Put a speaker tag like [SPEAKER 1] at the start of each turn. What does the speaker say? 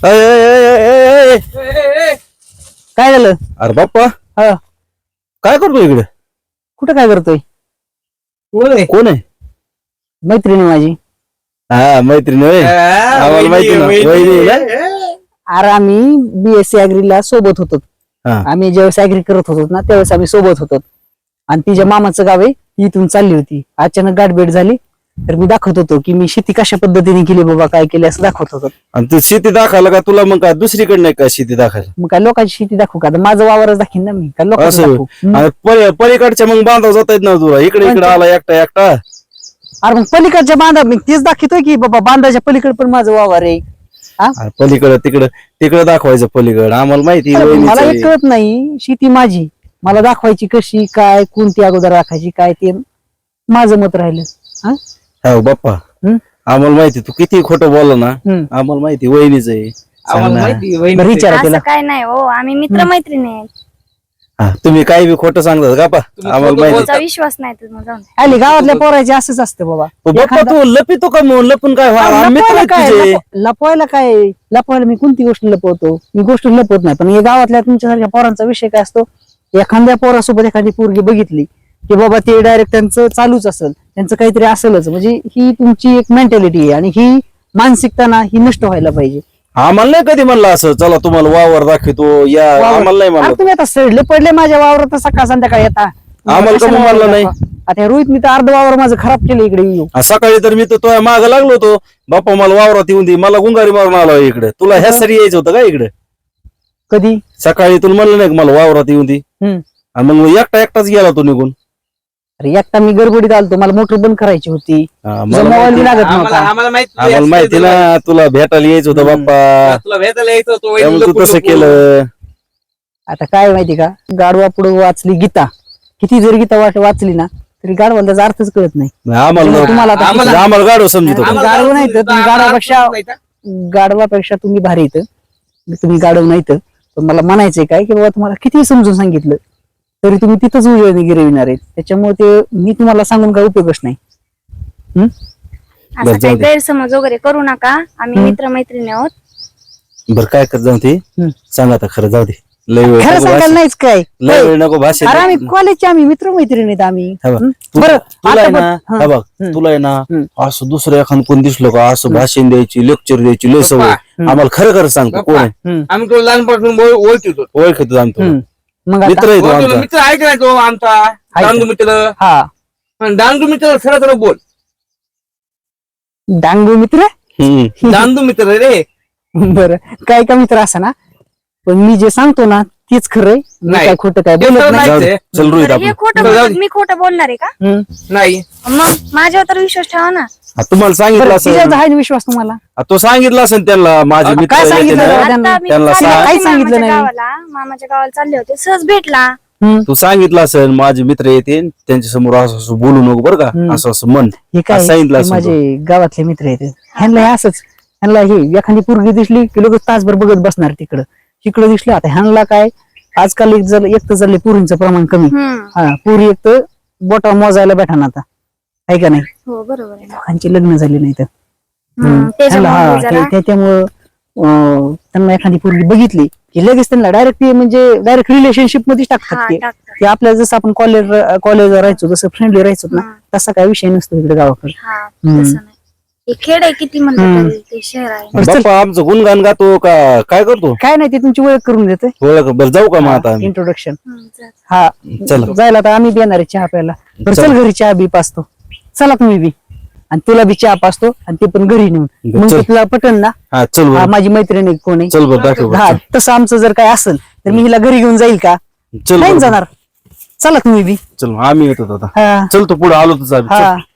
[SPEAKER 1] अय, अय, अय, अय, अय.
[SPEAKER 2] काय झालं?
[SPEAKER 1] अरे बाप्पा
[SPEAKER 2] हा
[SPEAKER 1] काय करतो इकडे?
[SPEAKER 2] कुठं काय करतोय?
[SPEAKER 1] कोण आहे?
[SPEAKER 2] मैत्रिणी माझी.
[SPEAKER 1] हा मैत्रीण होय. आम्हाला माहिती ना वहिनी आहे ना?
[SPEAKER 2] अरे आम्ही बीएससी अॅग्रीला सोबत होतो.
[SPEAKER 1] हा.
[SPEAKER 2] आम्ही ज्यावेळेस अॅग्री करत होतो ना त्यावेळेस आम्ही सोबत होतो. आणि तिच्या मामाचं गाव आहे, ती इथून चालली होती. अचानक गाठभेट झाली तर मी दाखवत होतो की मी शेती कशा पद्धतीने केली बाबा, काय केली असं दाखवत होतो.
[SPEAKER 1] आणि तू शेती दाखवायला का तुला मग काय दुसरीकडे नाही का शेती दाखवायला?
[SPEAKER 2] मग काय लोकांची शेती दाखवू का? आता माझं वावरच दाखीन ना मी, काय लोकांचं
[SPEAKER 1] असं
[SPEAKER 2] दाखवू?
[SPEAKER 1] आणि पलीकडच्या मग बांधव जाता येत ना तुला, इकडे इकडे आला एकटा एकटा.
[SPEAKER 2] अरे मग पलीकडच्या बांधा मी तेच दाखवतोय की बाबा, बांधाच्या पलीकडे पण माझं वावर आहे.
[SPEAKER 1] अरे पलीकडे तिकडे तिकडे दाखवायचं पलीकडे, आम्हाला माहिती
[SPEAKER 2] अरे
[SPEAKER 1] वहिनीचं
[SPEAKER 2] मला
[SPEAKER 1] आहे.
[SPEAKER 2] एक कळत नाही, शेती माझी, मला दाखवायची कशी, काय, कोणती अगोदर राखायची, काय ते माझं मत राहिलं. हा?
[SPEAKER 1] हो बाप्पा
[SPEAKER 2] हम्म?
[SPEAKER 1] आम्हाला माहिती तू किती खोटं बोलला ना,
[SPEAKER 2] हम्म.
[SPEAKER 1] आम्हाला माहिती वहिनीच आहे. सांग ना.
[SPEAKER 2] बरं विचारा
[SPEAKER 3] असं
[SPEAKER 2] तिला.
[SPEAKER 3] काय नाही हो, आम्ही मित्रमैत्रिणी आहेत.
[SPEAKER 1] हा, तुम्ही काही बी खोटं सांगतात का पा? आम्हाला माहिती.
[SPEAKER 3] तुमचा विश्वास नाही तर मग जाऊन दे.
[SPEAKER 2] आली गावातल्या पोरायचे असंच असतं बाबा.
[SPEAKER 1] बाप्पा तू लपितो का मग? लपून काय व्हा? आम्ही मित्र
[SPEAKER 2] लपवायला
[SPEAKER 1] आहेत
[SPEAKER 2] काय
[SPEAKER 1] तुझे.
[SPEAKER 2] लपवायला काय? लपवायला मी कोणती गोष्ट लपवतो? मी गोष्ट लपवत नाही. पण हे गावातल्या तुमच्यासारख्या पोरांचा विषय काय असतो, एखाद्या पोरासोबत एखादी पोरगी बघितली की बाबा ते डायरेक्ट त्यांचं चालूच असेल, त्यांचं काहीतरी असेलच. म्हणजे ही तुमची एक मेंटॅलिटी आहे आणि ही मानसिकता ना ही नष्ट व्हायला पाहिजे.
[SPEAKER 1] आम्हाला नाही कधी म्हणलं असं चला तुम्हाला वावर दाखवतो या,
[SPEAKER 2] वावर.
[SPEAKER 1] आम्हाला नाही
[SPEAKER 2] अरे
[SPEAKER 1] म्हणलं.
[SPEAKER 2] तुम्ही आता सडले पडले माझ्या वावरात सकाळ संध्याकाळी येता.
[SPEAKER 1] आम्हाला
[SPEAKER 2] कशाला
[SPEAKER 1] कमी म्हणलं नाही.
[SPEAKER 2] दाखवा? आता हे रोहित मी तर अर्ध वावर माझं खराब केलं इकडे येऊ.
[SPEAKER 1] सकाळी तर मी तर तुझ्या माग लागलो होतो, बाप्पा मला वावरात येऊन दे, मला गुंगारी मारून आलो इकडे. तुला ह्या सरी यायचं होतं का इकडे?
[SPEAKER 2] कधी?
[SPEAKER 1] सकाळी तुला म्हणलं नाही का मला वावरात येऊन दे?
[SPEAKER 2] हम्म.
[SPEAKER 1] आणि मग एकटा एकटाच गेला तो निघून.
[SPEAKER 2] अरे एकटा मी गडबडीत आलतो, मला मोटर बंद करायची होती.
[SPEAKER 1] हा,
[SPEAKER 2] तुझा
[SPEAKER 1] मला
[SPEAKER 2] मोबाईल बी लागत नव्हता.
[SPEAKER 4] आम्हाला
[SPEAKER 1] आम्हाला माहिती ना तुला भेटायला यायचं होतं बाप्पा,
[SPEAKER 4] तुला भेटायला यायचं होतं,
[SPEAKER 1] त्यामुळे तू
[SPEAKER 4] लपून
[SPEAKER 1] तसं
[SPEAKER 4] लपून.
[SPEAKER 1] केलं.
[SPEAKER 2] आता काय माहिती का, गाडवा पुढे वाचली गीता, किती जर गीता वाचली ना तरी गाडवाला त्याचा अर्थच कळत नाही.
[SPEAKER 1] आम्हाला
[SPEAKER 2] तुम्हाला आता
[SPEAKER 1] आम्हाला गाडव समजत होतं.
[SPEAKER 2] आम्हाला गाढव नाही तर तुम्ही गाढवापेक्षा गाढवापेक्षा तुम्ही भारी येतं. तुम्ही गाढव नाही तर पण मला म्हणायचंय काय की बाबा तुम्हाला किती समजून सांगितलं तरी तुम्ही तिथंच उजळणी गिरविणार आहेत. त्याच्यामुळे ते मी तुम्हाला सांगून काय उपयोगच नाही.
[SPEAKER 3] असं काही गैरसमज वगैरे करू नका, आम्ही मित्रमैत्रिणी आहोत.
[SPEAKER 1] बरं काय कर जाऊ ते सांग आता खरं, जाऊ दे. लय वेळ
[SPEAKER 2] खरं
[SPEAKER 1] नको
[SPEAKER 2] सांगायला
[SPEAKER 1] भाषण-
[SPEAKER 2] नाहीच काय.
[SPEAKER 1] लय वेळ नको भाषण.
[SPEAKER 2] अरे आम्ही कॉलेजचे आम्ही मित्रमैत्रिणी आहेत आम्ही.
[SPEAKER 1] हा बघ,
[SPEAKER 2] बरं
[SPEAKER 1] तुला आहे
[SPEAKER 2] आता
[SPEAKER 1] ना,
[SPEAKER 2] पण-
[SPEAKER 1] हा बघ,
[SPEAKER 2] हम्म.
[SPEAKER 1] तुला आहे ना
[SPEAKER 2] हम्म.
[SPEAKER 1] असं दुसरं एखादं कोण दिसलं का असं भाषण द्यायची, लेक्चर द्यायची लय सवय. आम्हाला खरं खरं सांगतो कोण आहे.
[SPEAKER 2] हम्म.
[SPEAKER 4] आम्ही तुला लहानपासून ओळखतो.
[SPEAKER 1] ओळखतो आमचं
[SPEAKER 2] हम्म. मग
[SPEAKER 1] मित्र
[SPEAKER 2] आता
[SPEAKER 1] आहे तो आमचा.
[SPEAKER 4] मित्र आहे का नाही तो आमचा डांगू मित्र?
[SPEAKER 2] हा
[SPEAKER 4] डांगू मित्र सरळ सरळ बोल.
[SPEAKER 2] डांगू मित्र.
[SPEAKER 1] हम्म.
[SPEAKER 4] डांगू मित्र रे.
[SPEAKER 2] बरं काय का मित्र असा ना, पण मी जे सांगतो ना तेच खरंय. मी
[SPEAKER 4] नाही.
[SPEAKER 2] काय खोटं काय
[SPEAKER 4] ते
[SPEAKER 2] बोलत
[SPEAKER 4] तर
[SPEAKER 2] नाही.
[SPEAKER 1] जाऊ दे.
[SPEAKER 4] नाही.
[SPEAKER 1] चल रोहित
[SPEAKER 3] बरं, हे
[SPEAKER 1] आपण
[SPEAKER 3] खोटं
[SPEAKER 4] जाऊ
[SPEAKER 3] बोलतात,
[SPEAKER 4] दे.
[SPEAKER 3] मी खोटं बोलणार आहे का?
[SPEAKER 2] हम्म.
[SPEAKER 4] नाही
[SPEAKER 3] मग माझ्यावर तर विश्वास ठेवा ना.
[SPEAKER 1] तुम्हाला सांगितलं
[SPEAKER 2] बरं,
[SPEAKER 1] असेल,
[SPEAKER 2] तिच्यावर आहे ना विश्वास तुम्हाला?
[SPEAKER 1] तो सांगितलं असेल त्यांना माझे मित्र
[SPEAKER 2] काय
[SPEAKER 1] येते
[SPEAKER 2] सांगितलं?
[SPEAKER 1] ना.
[SPEAKER 2] त्यांना-
[SPEAKER 3] आता मी
[SPEAKER 1] त्यांना
[SPEAKER 3] चालले
[SPEAKER 1] सांग.
[SPEAKER 3] होते
[SPEAKER 2] काही सांगितलं
[SPEAKER 3] मामाच्या
[SPEAKER 2] नाही.
[SPEAKER 3] गावाला, मामाच्या गावाला चालले होते, सहज भेटला.
[SPEAKER 1] तू सांगितलं असेल माझे मित्र येते त्यांच्या समोर असं असं बोलू नको बरं का, असं असं म्हण.
[SPEAKER 2] हे काय
[SPEAKER 1] असं सांगितलं
[SPEAKER 2] हे
[SPEAKER 1] असेल
[SPEAKER 2] माझे गावातले मित्र आहेत. ह्यांना हे असंच, ह्यांना हे एखादी पोरगी दिसली की लोक तासभर बघत बसणार तिकडं. तिकडं दिसली आता ह्यांना काय आजकाल एक तर झाले पुरींचं प्रमाण कमी. हा पुरी एक तर बोटा मोजायला भेटा आता, आहे का नाही?
[SPEAKER 3] हो बरोबर आहे.
[SPEAKER 2] लोकांची लग्न झाली नाही तर
[SPEAKER 3] त्याच्यामुळे जरा
[SPEAKER 2] त्याच्यामुळं त्यांना एखादी पोरगी बघितली की लगेच त्यांना डायरेक्ट डायरेक्ट रिलेशनशिप मध्येच टाकतात
[SPEAKER 3] हा,
[SPEAKER 2] ते.
[SPEAKER 3] टाकतात.
[SPEAKER 2] की आपल्याला जसं आपण कॉलेजला राहायचो, जसं फ्रेंडली राहायचो ना, तसा काय विषय नसतो इकडे गावाकडे.
[SPEAKER 3] हा, तसं नाही. हे खेड आहे किती म्हणतात तरी ते शहर आहे.
[SPEAKER 2] बरं, चल.
[SPEAKER 1] बाप्पा आमचं गुणगान गातो का काय करतो?
[SPEAKER 2] काय नाही, ते तुमची ओळख करून देते.
[SPEAKER 1] ओळख बरं जाऊ का मग आता आम्ही?
[SPEAKER 2] इंट्रोडक्शन.
[SPEAKER 3] चल.
[SPEAKER 2] हा
[SPEAKER 1] चला.
[SPEAKER 2] जायला तर आम्ही बी येणार आहे चहा प्यायला. बरं चल, घरी चहा बी पाचतो. चला तुम्ही बी, आणि तुला बी चहा पाचतो आणि ते पण घरी नेऊन. मग
[SPEAKER 1] चल.
[SPEAKER 2] ते तुला पटन ना,
[SPEAKER 1] हा चल
[SPEAKER 2] हा,
[SPEAKER 1] बरं,
[SPEAKER 2] माझी मैत्रीण आहे कोणी.
[SPEAKER 1] चल बरं दाखव बरं,
[SPEAKER 2] हा
[SPEAKER 1] चल.
[SPEAKER 2] तसं आमचं जर काय असेल तर मी हिला घरी घेऊन जाईल का?
[SPEAKER 1] चल
[SPEAKER 2] नाही
[SPEAKER 1] बरं.
[SPEAKER 2] जाणार. चला तुम्ही बी.
[SPEAKER 1] चल आम्ही येतो आता.
[SPEAKER 2] हा
[SPEAKER 1] चल तू पुढे आलो तुझा
[SPEAKER 2] हा